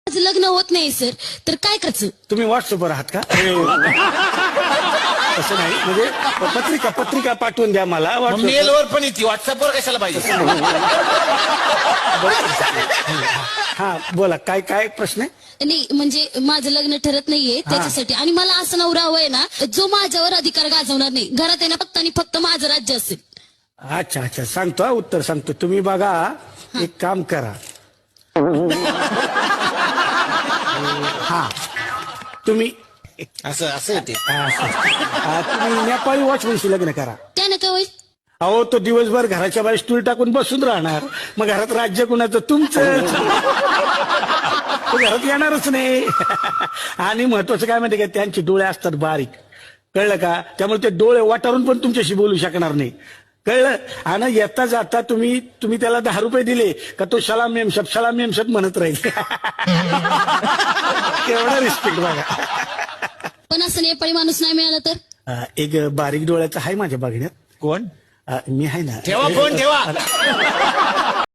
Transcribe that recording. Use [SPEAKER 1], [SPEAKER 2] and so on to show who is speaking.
[SPEAKER 1] माझं लग्न होत नाही सर, तर काय करायचं?
[SPEAKER 2] तुम्ही व्हॉट्सअपवर आहात का? तसं नाही, म्हणजे पत्रिका पाठवून द्या मला.
[SPEAKER 3] मेलवर पण येते, व्हॉट्सअपवर कशाला पाहिजे?
[SPEAKER 2] हा बोला, काय काय प्रश्न आहे?
[SPEAKER 1] नाही म्हणजे माझं लग्न ठरत नाहीये त्याच्यासाठी, आणि मला असं नवरा हवाय ना जो माझ्यावर अधिकार गाजवणार नाही. घरात आहे ना फक्त आणि फक्त माझं राज्य असेल.
[SPEAKER 2] अच्छा अच्छा, सांगतो हा, उत्तर सांगतो. तुम्ही बघा, एक काम करा. हा, तुम्ही
[SPEAKER 3] असं असं येते.
[SPEAKER 2] तुम्ही नेपाळी वॉचमनशी लग्न करा.
[SPEAKER 1] त्यानं काय होईल?
[SPEAKER 2] अहो, तो दिवसभर घराच्या बाहेर स्टूल टाकून बसून राहणार, मग घरात राज्य कुणाचं? तुमचं. तो घरात येणारच नाही. आणि महत्वाचं काय माहिती का, त्यांचे डोळे असतात बारीक, कळलं का? त्यामुळे ते डोळे वाटारून पण तुमच्याशी बोलू शकणार नाही, कळलं? आणि येता जाता तुम्ही त्याला 10 रुपये दिले का तो सलाम मेमशत म्हणत राहील. केवढा रिस्पेक्ट बघा.
[SPEAKER 1] पण असं नेपाळी माणूस नाही मिळाला तर?
[SPEAKER 2] एक बारीक डोळ्याचा आहे माझ्या बघण्यात.
[SPEAKER 3] कोण?
[SPEAKER 2] मी आहे ना.
[SPEAKER 3] ठेवा फोन ठेवा.